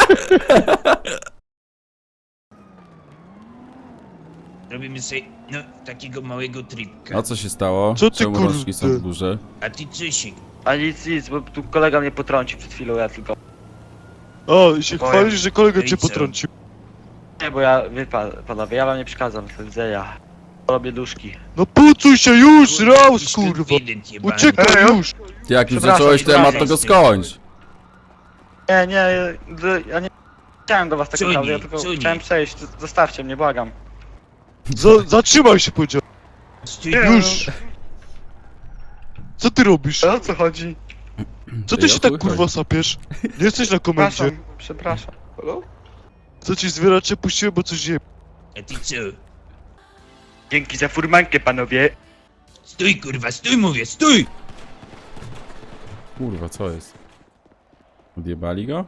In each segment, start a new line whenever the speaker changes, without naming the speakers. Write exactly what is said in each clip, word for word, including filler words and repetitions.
Robimy sobie, no, takiego małego tripka.
A co się stało?
Co ty,
Czemu
kurde?
rączki są w górze?
A ty Czysik,
A nic, nic, bo tu kolega mnie potrącił przed chwilą, ja tylko...
A, i się
Powiem.
chwalisz, że kolega
No i
cię
co?
potrącił.
Nie, bo ja, wie pan, panowie, ja wam nie przeszkadzam, do widzenia. Robię duszki.
No pucuj się już,
Kurde,
raus,
jakiś
kurwa.
konfident jebany.
Uciekaj już.
Ty jak już
Przepraszam,
zacząłeś temat, to
przepraszam.
go skończ.
Nie, nie, ja nie chciałem do was tak
Co
naprawdę,
nie,
ja tylko
co nie?
chciałem przejść, zostawcie mnie, błagam.
Za, zatrzymaj się, powiedział.
Stój,
Już. Co ty robisz?
O co chodzi?
Co
Ty,
ty
o
się
chuj
tak
chodzi.
kurwa sapiesz? Nie jesteś na komendzie.
Przepraszam, przepraszam. Halo?
Co ci zwieracze puściłem, bo coś je...
a ty co?
Dzięki za furmankę, panowie.
Stój kurwa, stój mówię, stój!
Kurwa, co jest? Odjebali go?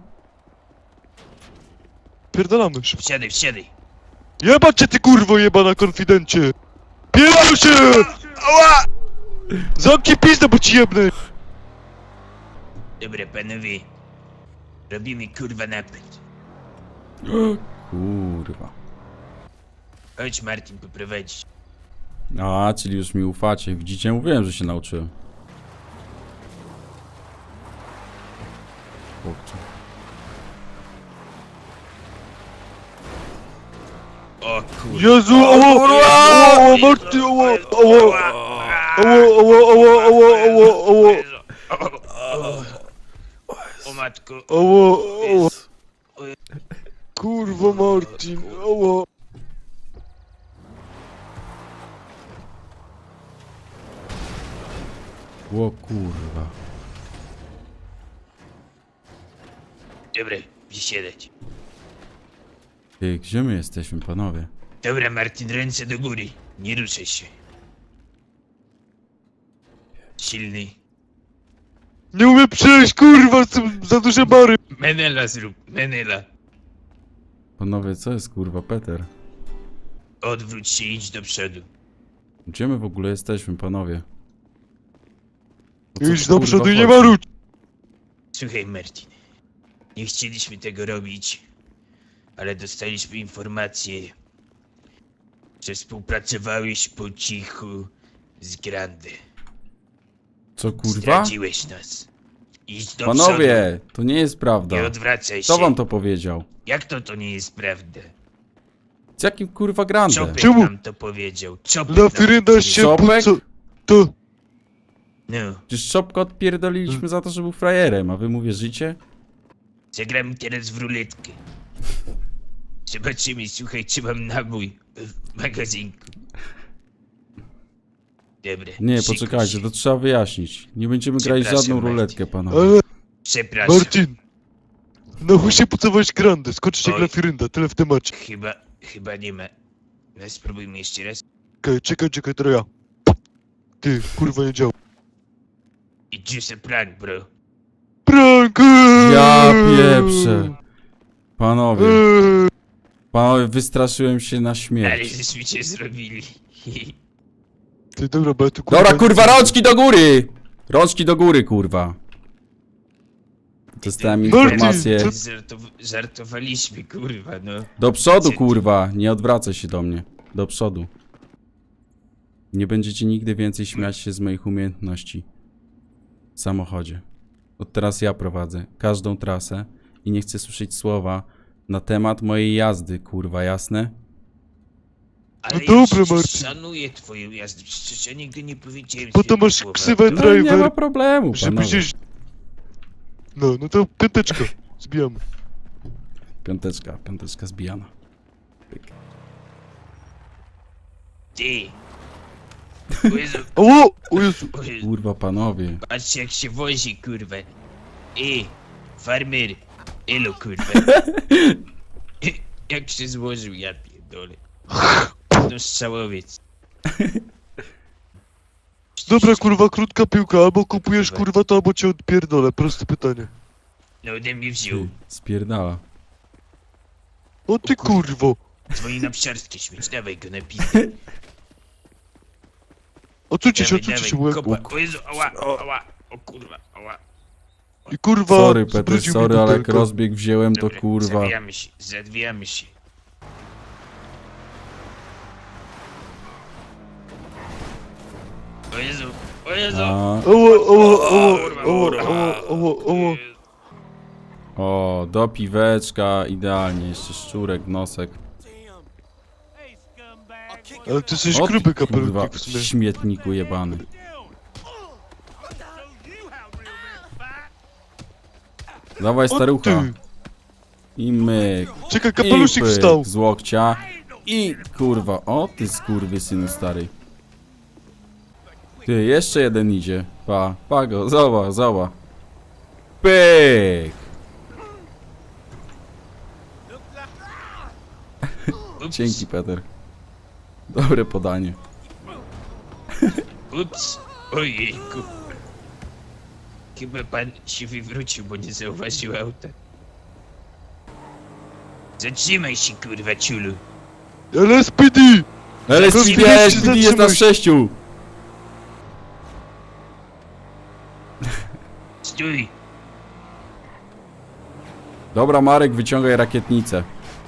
Pierdolamy szybko.
Wsiadaj, wsiadaj.
Jebać cię ty kurwo jebana konfidencie! Pierdol się! Ała! Zamknij pizdę, bo ci jebnę!
Dobra panowie. Robimy kurwa napęd.
Kurwa.
Chodź Martin poprowadzić.
A, czyli już mi ufacie. Widzicie? Mówiłem, że się nauczyłem. Kurczę.
O kurwa.
Jezu, oło! Oło, Marty, oło! Oło! Oło, oło, oło, oło, oło, oło!
O matko.
Oło, oło! Kurwa Martin, oło!
O kurwa.
Dobra, wysiadać.
Ty, gdzie my jesteśmy, panowie?
Dobra Martin, ręce do góry. Nie ruszaj się. Silny.
Nie umiem przejść, kurwa, są za duże bary!
Menela zrób, Menela.
Panowie, co jest kurwa, Peter?
Odwróć się i idź do przodu.
Gdzie my w ogóle jesteśmy, panowie? O co
Idź
tu,
do
kurwa,
przodu i nie
chodzi?
marudź!
Słuchaj Martin. Nie chcieliśmy tego robić, ale dostaliśmy informację, że współpracowałeś po cichu z Grande.
Co kurwa?
Zdradziłeś nas. Idź do
Panowie, to nie jest
przodu.
prawda.
Nie odwracaj
Kto
się.
wam to powiedział?
Jak to to nie jest prawda?
Z jakim kurwa grande?
Czopek
Czemu?
nam to powiedział. Czopek
Na
nam
firynda
to
się
powiedział.
Czopek?
puco... To...
No,
Przecież Czopka odpierdoliliśmy za to, że był frajerem, a wy mu wierzycie?
zagramy teraz w ruletkę. Zobaczymy, słuchaj, czy mam nabój w magazynku. Dobra.
Nie,
szykuj
poczekajcie,
się.
to trzeba wyjaśnić. Nie będziemy grać
Przepraszam,
żadną
Marcin.
ruletkę, panowie.
Ale...
Przepraszam.
Martin! Na chuj się pucowałeś grandę, skoczcie
Oj.
glafirynda, tyle w temacie.
Chyba, chyba nie ma. No, spróbujmy jeszcze raz.
Czekaj, czekaj, czekaj, to ja. Ty, kurwa nie działa.
It's just a prank, bro.
Prank!
Ja pieprzę. Panowie,
Eee,
panowie, wystraszyłem się na
Ale
śmierć.
żeśmy cię zrobili.
Ty, dobra, bo ja tu kurwa...
Dobra, kurwa, rączki do góry! Rączki do góry, kurwa. Dostałem
Marcin,
informację.
co-
Żartow żartowaliśmy, kurwa, no.
Do przodu, kurwa, nie odwracaj się do mnie. Do przodu. Nie będziecie nigdy więcej śmiać się z moich umiejętności. W samochodzie. Od teraz ja prowadzę każdą trasę i nie chcę słyszeć słowa na temat mojej jazdy, kurwa, jasne?
Ale
dobra,
ja przecież
Marcin.
szanuję twoją jazdę, przecież ja nigdy nie powiedziałem
Bo to
złego
masz
słowa.
ksywę
No, nie ma
driver,
problemu,
żeby
panowie.
gdzieś... No, no to piąteczka, zbijamy.
Piąteczka, piąteczka zbijana. Pyk.
Ty. O Jezu,
Oło! O Jezu!
o Jezu.
Kurwa, panowie.
Patrzcie jak się wozi, kurwa. Ej, farmer. Elo, kurwa. Jak się złożył, ja pierdolę. No strzałowiec.
Dobra, kurwa, krótka piłka, albo kupujesz kurwa to, albo cię odpierdolę, proste pytanie.
No ode mnie wziął.
Ty, spierdala.
O ty kurwo!
Dzwoni na psiarskie śmieć, dawaj go na pizdę.
Odsuńcie się,
Dawaj,
odsuńcie
dawaj,
się, bo ja...
kopa. O Jezu, ała, ała, o kurwa, ała.
I kurwa...
Sorry, Peter,
zwrócił mi
sorry, ale jak
butelkę.
rozbieg wziąłem, to
Dobra,
kurwa.
Zawijamy się, zawijamy się. O Jezu, o Jezu.
A,
Oło, oło, oło,
Kurwa,
oło,
kurwa.
oło, oło, oło.
o, do piweczka, idealnie, jeszcze szczurek, nosek.
Ale ty jesteś
O,
gruby
ty, kurwa,
kapelutek w sumie.
śmietniku jebany. Dawaj,
O
starucha.
ty.
I myk.
Czekaj,
I
kapelusik
pyk
wstał.
z łokcia. I kurwa, o ty skurwysynu stary. Ty, jeszcze jeden idzie. Pa, pa go, zobacz, zobacz. Pyk!
Ups,
Dzięki, Peter. Dobre podanie.
ups, ojejku. Chyba pan się wywrócił, bo nie zauważył auta. Zatrzymaj się, kurwa, ciulu.
L S P D!
Ale
Zatrzymaj się,
S P D jest na
zatrzymaj się.
sześciu!
Stój.
Dobra, Marek, wyciągaj rakietnicę.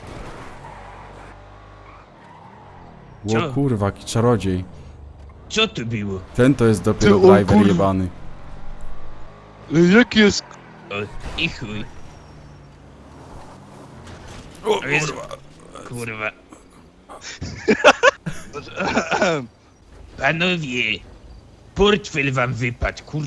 Co?
O kurwa, jaki czarodziej.
Co to było?
Ten to jest dopiero
Ty, o
driver
kurwa.
jebany.
E, Jaki jest...
O, i chuj. O Jezu. Kurwa. Panowie. Portfel wam wypadł, kur...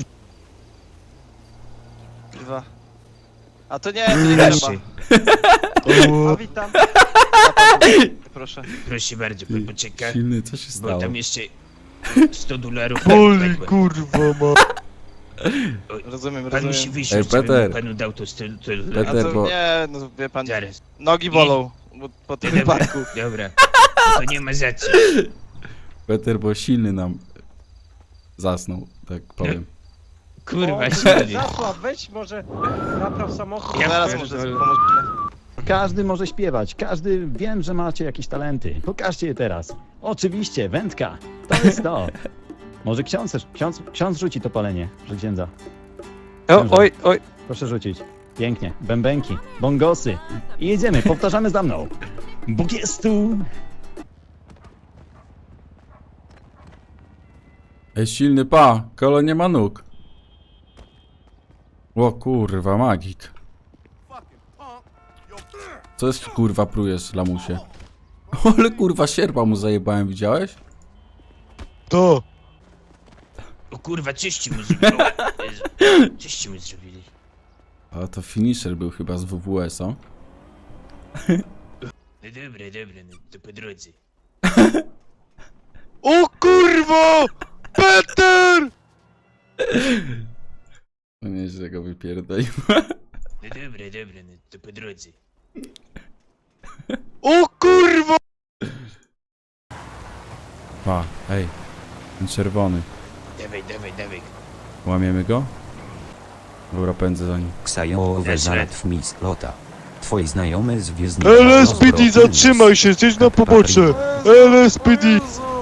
Kurwa. A to nie, to nie trzeba.
Proszę,
O,
A witam. A pan, proszę.
proszę bardzo, pan poczeka.
Silny, co się
Bo
stało?
tam jeszcze sto dolarów.
boli, kurwa, ma.
Rozumiem,
Pan musi
rozumiem.
wyjść,
Ej,
żebym
Peter.
panu dał to sto
A
dolarów.
Peter,
to
bo-
nie, no wie pan,
Zaraz.
nogi bolą bo, po tym
Dobra,
wypadku.
dobra. To nie ma za co.
Peter, bo silny nam zasnął, tak powiem.
Kurwa, silny.
Zasław, weź może napraw samochód.
Ja
Zaraz
pierdolę.
może pomożemy.
Każdy może śpiewać, każdy, wiem, że macie jakieś talenty. Pokażcie je teraz. Oczywiście, wędka. To jest to. Może ksiądz, ksiądz, ksiądz rzuci to palenie, że księdza.
O, oj, oj.
Proszę rzucić. Pięknie. Bębenki, bongosy. I jedziemy, powtarzamy za mną. Bóg jest tu.
Ej, silny, pa, kolo nie ma nóg. O kurwa, magik. Co jest, kurwa, prujesz, lamusie? Ale kurwa, sierpa mu zajebałem, widziałeś?
To.
O kurwa, czyści mu zrobili. Jezu, Czyści mu zrobili.
A to finisher był chyba z W W S, o?
No dobra, dobra, no to po drodze.
O kurwa! Peter!
No nieźle go wypierdolił.
No dobra, dobra, no to po drodze.
O kurwa!
Pa, hej, ten czerwony.
Dawaj, dawaj, dawaj.
Łamiemy go? Dobra, pędzę za nim.
Ksajowe
Lecz,
zalet mislota. Twoi znajomy z Gwiezdnych
L S P D, zatrzymaj się, zjedź na pobocze! L S P D!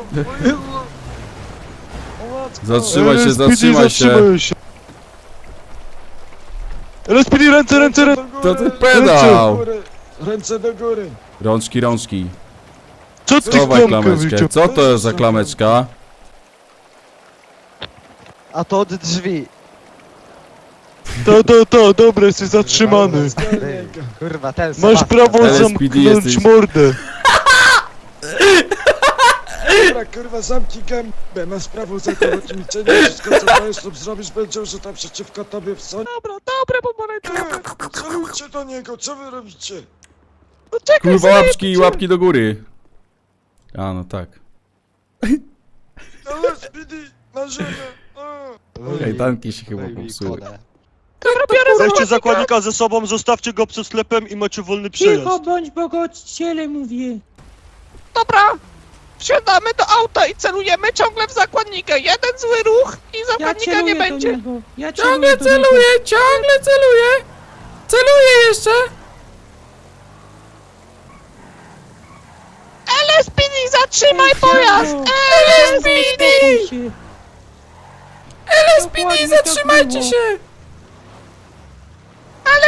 Zatrzymaj się,
L S P D,
zatrzymaj się!
zatrzymaj się! L S P D, ręce, ręce, ręce!
To ty pedał!
Ręce do góry.
Rączki, rączki.
Co ty
Schowaj
klamkę
klameczkę.
wyciął?
Co to jest za klameczka?
A to od drzwi.
To, to, to, dobra, jesteś zatrzymany.
Kurwa, ten
Masz prawo
L S P D
zamknąć
jesteś.
mordę.
Dobra, kurwa, zamknij gębę. Masz prawo zakończyć milczenie. Wszystko, co państwo zrobisz, będzie użyte przeciwko tobie w sądzie. Dobra, dobra, pomarańczowe. Celujcie do niego, co wy robicie?
Kurwa, łapki, łapki do góry. A, no tak.
L S P D, na ziemię. A.
Kajdanki się chyba popsuły.
Weźcie zakładnika ze sobą, zostawcie go przed sklepem i macie wolny
Cicho bądź, bo go odcielę, mówię.
Dobra, wsiadamy do auta i celujemy ciągle w zakładnika. Jeden zły ruch i
Ja
zakładnika
celuję
nie
do
będzie.
niego. Ja ciągle celuję.
ciągle celuję! Celuję jeszcze!
L S P D, zatrzymaj pojazd! L S P D!
L S P D, zatrzymajcie się!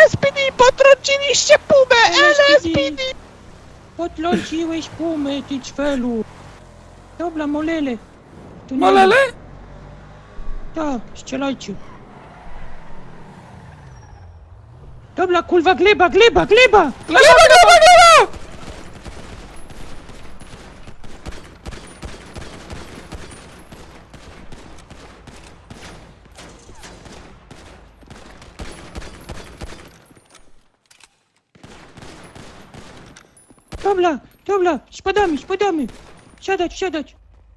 L S P D, potrąciliście pumę! L S P D!
Podląciłeś pumę, ty ćwelu. Dobra, molele. Tu nie
Molele?
ma- Tak, strzelajcie. Dobra, kurwa, gleba, gleba, gleba!
Gleba, gleba, gleba!
Dobra, dobra, spadamy, spadamy. Siadać, siadać.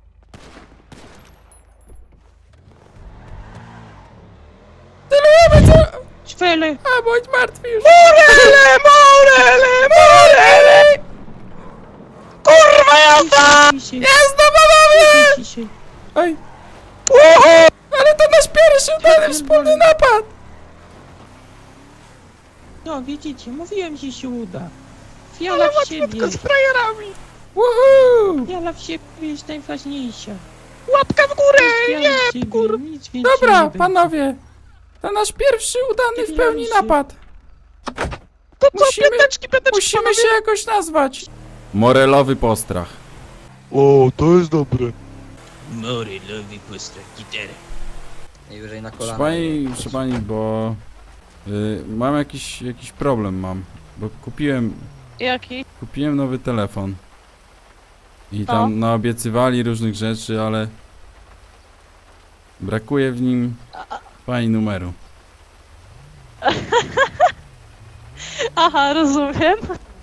Celujemy, co?
Ćwele.
A, bądź martwy już.
Morele, morele, morele! Kurwa jazda!
Ciszej,
Jazda, panowie!
ciszej.
Oj,
Uhu!
ale to nasz pierwszy udany wspólny napad.
No, widzicie, mówiłem, że się uda. Wiara w siebie.
Tylko z frajerami!
Woohoo!
Wiara w siebie jest najważniejsza.
Łapka w górę!
Wiara
Nie,
w siebie,
kur...
nic więcej nie
Dobra,
będzie.
panowie. To nasz pierwszy udany w pełni napad.
To co,
Musimy-
piąteczki, piąteczki,
Musimy
panowie?
się jakoś nazwać. Morelowy postrach.
O, to jest dobre.
Morelowy postrach, gitara.
Najwyżej na
Proszę pani, proszę pani, bo y, mam jakiś, jakiś problem mam, bo kupiłem,
Jaki?
kupiłem nowy telefon i
No.
tam naobiecywali różnych rzeczy, ale brakuje w nim pani numeru.
Aha, rozumiem.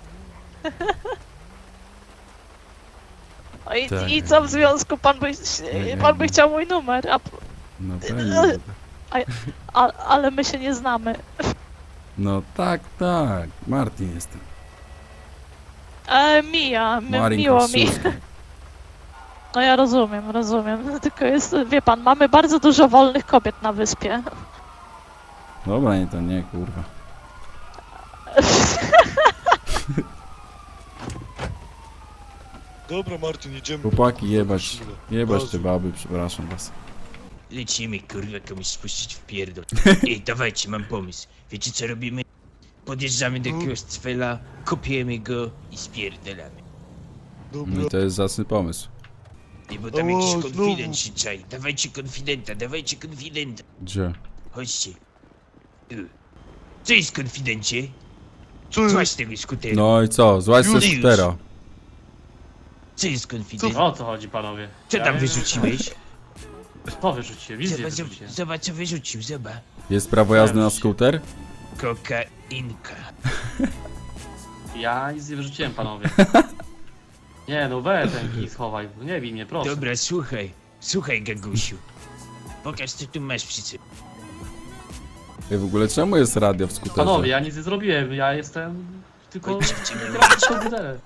O, I,
Tak.
I co w związku? Pan by,
Nie,
pan by
nie.
chciał mój numer, a,
No pewnie. że tak.
a, ale my się nie znamy.
No tak, tak, Martin jestem.
E, Mija, mi,
Marin
miło mi.
Kosciuszki.
No ja rozumiem, rozumiem. Tylko jest, wie pan, mamy bardzo dużo wolnych kobiet na wyspie.
Dobra, nie to nie, kurwa.
Dobra, Martin, idziemy.
Chłopaki, jebać, jebać te
Gazu.
baby, przepraszam was.
Lecimy, kurwa, komuś spuścić w pierdol. Ej, dawajcie, mam pomysł. Wiecie co robimy? Podjeżdżamy do jakiegoś cwela, kopiemy go i spierdolamy.
No
Dobra.
i to jest zacny pomysł.
Ej, bo tam
O,
jakiś
znowu.
konfident się czai. Dawajcie konfidenta, dawajcie konfidenta.
Gdzie?
Chodźcie. Tu. Co jest konfidencie?
Co jest?
Złaź tego skutera.
No i co, złaź ze
Już.
skutera.
Co jest konfident?
O co chodzi, panowie?
Co
Ja
tam
nie-
wyrzuciłeś?
To wyrzuciłem, wizję
Zobacz,
wyrzuciłem.
zobacz co wyrzucił, zobacz.
Jest prawo jazdy na skuter?
Kokainka.
Ja nic nie wyrzuciłem, panowie. Nie no, weź ten kij schowaj, nie bij mnie, proszę.
Dobra, słuchaj. Słuchaj, Gagusiu. Pokaż co tu masz przy sobie.
Ej, w ogóle czemu jest radio w skuterze?
Panowie, ja nic nie zrobiłem, ja jestem tylko...
Chodźcie w ciemno.
komputerem.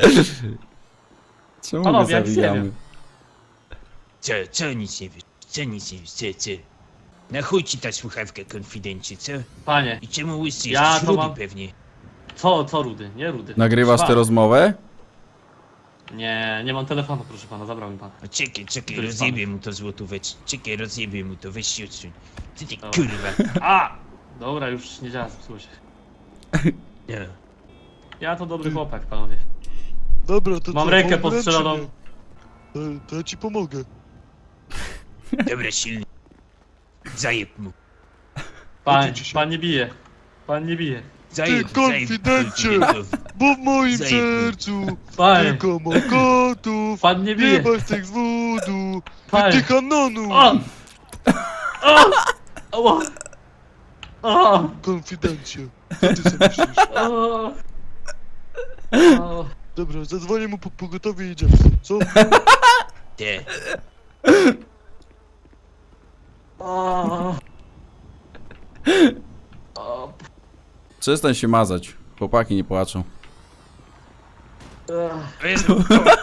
Czemu
Panowie,
my
ja nic nie
zawijamy?
wiem.
Co, co nic nie wiesz? Co nic nie wiesz? Co, co? Na chuj ci ta słuchawka, konfidencie, co?
Panie,
I czemu łysy
Ja
jesteś?
to
Rudy
mam-
pewnie.
co, co Rudy, nie Rudy.
Nagrywasz
Proszę
tę rozmowę?
pana. Nie, nie mam telefonu, proszę pana, zabrał mi pan.
O, czekaj, czekaj,
Który z
rozjebię mu to złotóweczkę. Czekaj, rozjebię mu to, weź się odsuń. Ty ty
Dobra.
kurwa.
A! Dobra, już nie działa, zepsuło się.
No.
Ja to dobry chłopak, panowie.
Dobra, to
Mam
co,
rękę
pomogę,
postrzeloną.
czy nie? To, to ja ci pomogę.
Dobra, silny. Zajeb mu.
Pan,
Odwróć się.
pan nie bije. Pan nie bije.
Zajeb,
Ty
zajeb
konfidencie!
konfidentowi.
Bo w moim
Zajeb.
sercu
Panie,
tylko ma kotów.
pan nie
Nie
bije.
ma tych z wodu.
Panie.
Ty kanonu.
O! O! O! O!
Konfidencie. Co ty sobie myślisz?
O! O!
Dobra, zadzwonię mu po pogotowie i idziemy. Co?
Te.
O! O!
Przestań się mazać. Chłopaki nie płaczą.
O Jezu.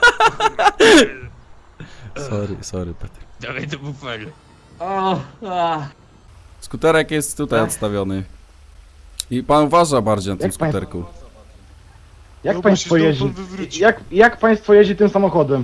Sorry, sorry, Petr.
Dawaj do bufelu.
O! A!
Skuterek jest tutaj odstawiony. I pan uważa bardziej na tym
Jak pań-
skuterku.
Jak
No,
państwo
musisz
jeździ?
tam wywrócić.
Jak, jak państwo jeździ tym samochodem?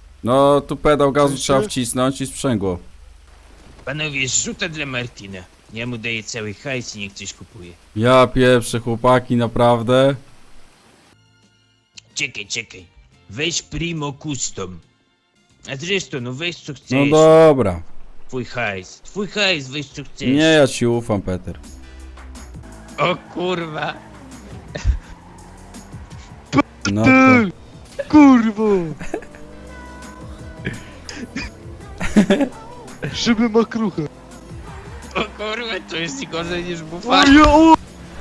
No, tu pedał gazu
Słyszycie?
trzeba wcisnąć i sprzęgło.
Panowie, rzuta dla Martina. Ja mu daję cały hajs i niech coś kupuje.
Ja pieprzę, chłopaki, naprawdę.
Czekaj, czekaj. Weź Primo Custom. A zresztą, no weź co
No
chcesz.
dobra.
Twój hajs. Twój hajs, weź co chcesz.
Nie, ja ci ufam, Peter.
O kurwa.
No to...
Kurwa! Szyby ma kruche.
O kurwa, to jest gorzej niż
O,
bufar.
ja, o!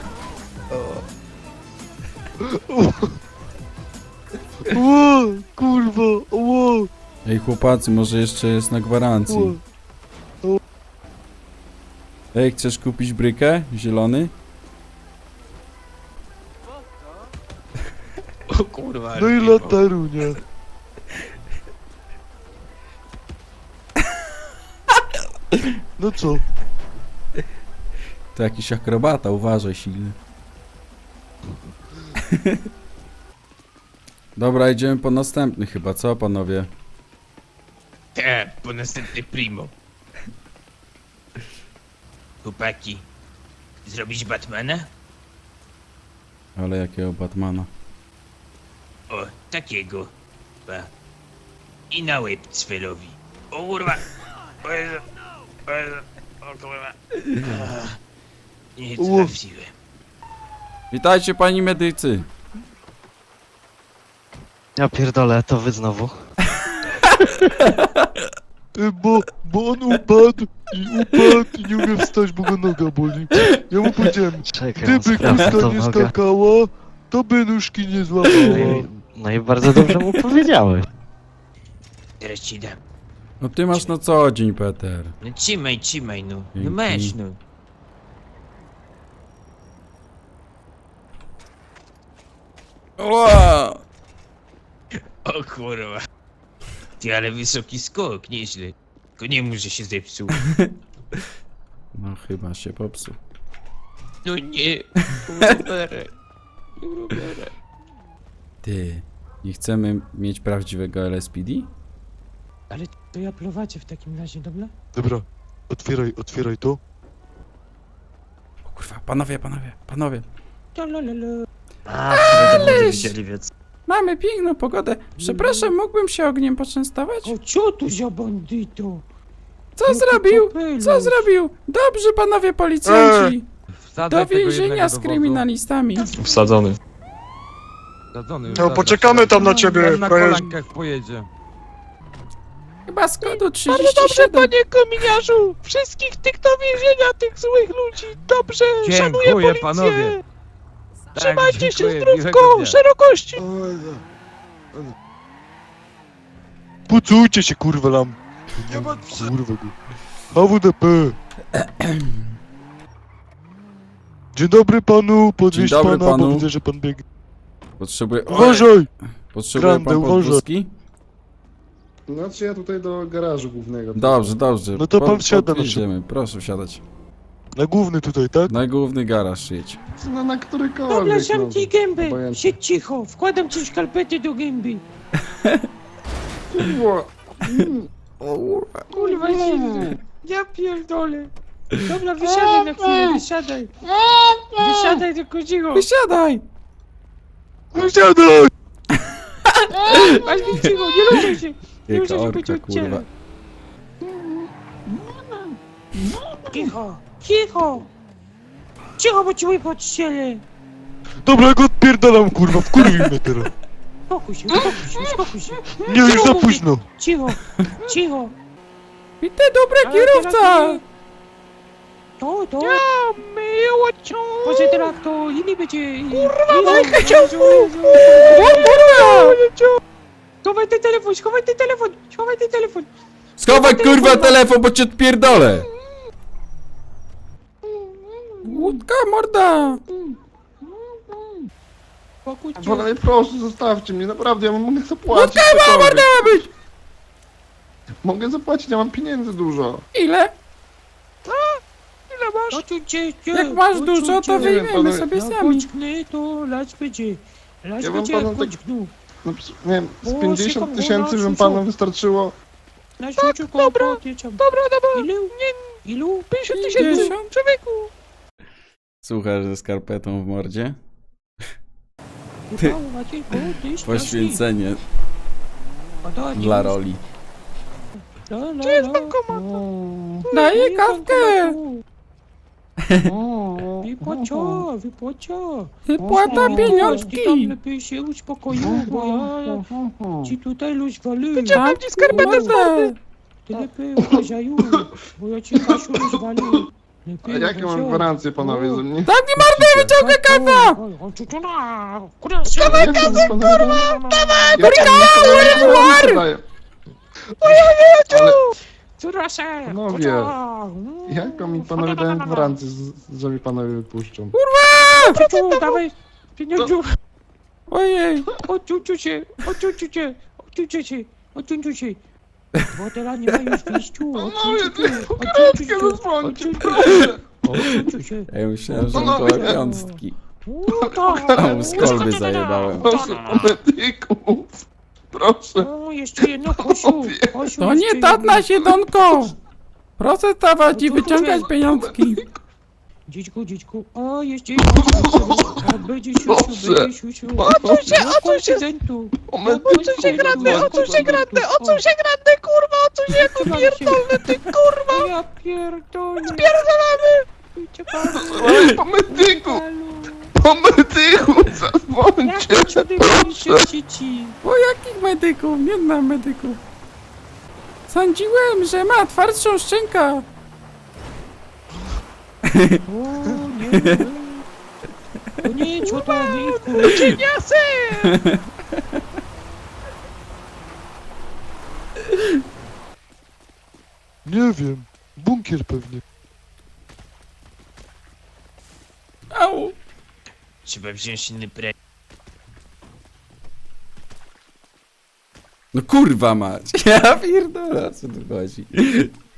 O, kurwa, o,
Ej, chłopacy, może jeszcze jest na gwarancji.
o.
Ej, chcesz kupić brykę? Zielony?
O kurwa.
No i
Primo.
latarunia. No co?
To jakiś akrobata, uważaj silny. Dobra, idziemy po następny chyba, co panowie?
Te, po następny Primo. Chłopaki. Zrobić Batmana?
Ale jakiego Batmana?
O, takiego. Pa. I na łeb Cwelowi. O kurwa. O Jezu. O Jezu. O kurwa. Ach, nie trafiłem.
Witajcie, pani medycy!
Ja pierdolę, to wy znowu.
Y, Bo, bo on upadł i upadł i nie umie wstać, bo go noga boli. Ja mu powiedziałem,
Czekaj,
gdyby
sprawdzę
kuska
tą
nie
nogę.
skakała, to by nóżki nie
No
złamała.
i, no i bardzo dobrze mu powiedziałeś.
Teraz ci dam.
No ty masz na co dzień, Peter.
No trzymaj, trzymaj no. No
Dzięki.
masz no.
Ła!
O kurwa. Ty, ale wysoki skok, nieźle. Tylko nie mów, że się zepsuł.
No chyba się popsuł.
No nie. Roberę. Roberę.
Ty, nie chcemy mieć prawdziwego L S P D?
Ale to ja prowadzię w takim razie, dobra?
Dobra, otwieraj, otwieraj to.
O kurwa, panowie, panowie, panowie.
Lalalala.
A, ale widzieli, więc...
Mamy piękną pogodę. Przepraszam, mógłbym się ogniem poczęstować?
O, co tu za bandyto?
Co
Jaki
zrobił?
kapelusz.
Co zrobił? Dobrze, panowie policjanci. Do więzienia z
dowodu.
kryminalistami.
Wsadzony.
Zadzony,
No, poczekamy tam na ciebie,
na
frajerze.
kolankach pojedzie.
Chyba z kodu trzydzieści siedem.
Panie kominiarzu! Wszystkich tych do więzienia, tych złych ludzi! Dobrze, szanuję
Dziękuję,
policję!
panowie. Tak,
Trzymajcie się
dziękuję,
zdrówko,
miłego dnia.
szerokości!
Oj, no.
Pucujcie się, kurwa, lam.
Nie ma
Kurwa go. H W D P. Dzień dobry panu, podwieźć
Dzień dobry
pana,
panu.
bo widzę, że pan biegnie.
Potrzebuję...
Uważaj!
Potrzebuję
Grande,
pan
uważaj.
podwózki?
Znaczy ja tutaj do garażu głównego.
Dobrze, dobrze.
No to pan
Pod-
wsiada na
podjedziemy. Proszę wsiadać.
Na główny tutaj, tak?
Na główny garaż jedź.
No na którykolwiek.
Dobra, sam ci gębę.
obojętnie.
Siedź cicho, wkładam ci szkalpety do gęby. Kurwa, silny. Ja pierdolę. Dobra, wysiadaj na chwilę, wysiadaj. Wysiadaj, tylko cicho.
Wysiadaj!
Wsiadaj!
Masz być cicho, nie ruszaj się. Nie
Jaka
ruszaj się,
orka,
będzie
kurwa.
odciele. Cicho, cicho. Cicho, bo ci łyb odciele.
Dobra, ja go odpierdalam, kurwa, wkurwił mnie teraz.
Spokój się, spokój się, spokój się.
Nie, już za późno.
Cicho, cicho.
I ty dobry
Ale
kierowca!
teraz nie- To, to.
Miło cię!
Może teraz to inni będzie...
Kurwa,
Jezu,
ciągu!
Jezu. Schowaj ten telefon, schowaj ten telefon, schowaj ten telefon.
Schowaj kurwa telefon, bo cię odpierdolę! Łódka morda!
Spokój cię.
Panowie, proszę, zostawcie mnie, naprawdę, ja mogę zapłacić.
Łódka
cokolwiek.
morda ma być!
Mogę zapłacić, ja mam pieniędzy dużo.
Ile?
Ile masz? Odsuń się, cię.
Jak masz
Odsuń
dużo, to
się.
wiem,
wyjmiemy
panowie.
sobie
Ja
sami.
kończknę, to lać będzie. Lać
Ja wam
będzie,
panu
jak
tak-
kończknę.
No, ps- nie wiem,
O,
z pięćdziesiąt
szukam,
tysięcy,
no,
żeby
szukam.
panu wystarczyło.
Na siuciu
dobra,
Ile?
Dobra, dobra!
Ile? Ilu? pięćdziesiąt tysięcy! Człowieku!
Słuchasz ze skarpetą w mordzie?
Ty. Maciejku, ty straszny.
Poświęcenie
A to nie
dla
jest-
roli.
La, la,
Gdzie jest
la.
bankomat?
Daję kawkę!
Wypłacia, wypłacia.
Wypłata
Ty tam
pieniążki!
lepiej się uspokoił, bo ja ci tutaj rozwalę.
Dam ci skarpetę z mordy!
Ty lepiej uważaj, bo ja ci Kasiu rozwalę.
A
Lepiej
jakie mam
uważaj.
gwarancje, panowie, że mnie?
Dam ci mordę, wyciągaj kawa!
Dawaj kasę, kurwa! Dawaj! War! Ale
Proszę,
Panowie, jaką mi panowie dają gwarancję, z- że mi panowie wypuszczą?
Ciuciu, dawaj pieniądzu.
Ojej!
Odciuciu się, odciuciu się, odciuciu się, odciuciu się. Bo teraz nie ma już wyjściu. Odciuciu się, odciuciu się,
Zadzwońcie,
odciuciu się.
Ja myślałem, że
No,
to
no,
piątki.
O,
A mu z kolby zajebałem.
Proszę o medyków! Proszę!
O, jeszcze jedno, Kosiu. Kosiu,
To
jeszcze
nie tak
jedno.
na siedonko! Proszę stawać i wyciągać pieniążki.
Dzićku, dzićku. O, jeszcze jedno. O, będzie siusiu,
Proszę.
będzie siusiu.
Odsuń
się, odsuń się.
O medyków!
Odsuń się grande, odsuń się grande, odsuń się grande, kurwa, odsuń się jako pierdolny, ty kurwa!
Ja pierdolę.
Spierdolamy!
Oj, po medyku! Po medyku! Zadzwońcie!
Jak ci odejmujecie dzieci?
O jakich medyków? Nie znam medyków. Sądziłem, że ma twardszą szczękę.
O, nie, nie. To nie, co to nie, kurwa.
Cieniasy!
Nie wiem. Bunkier pewnie.
Au!
Trzeba wziąć inny pre...
No kurwa mać. Ja pierdolę, o co tu chodzi?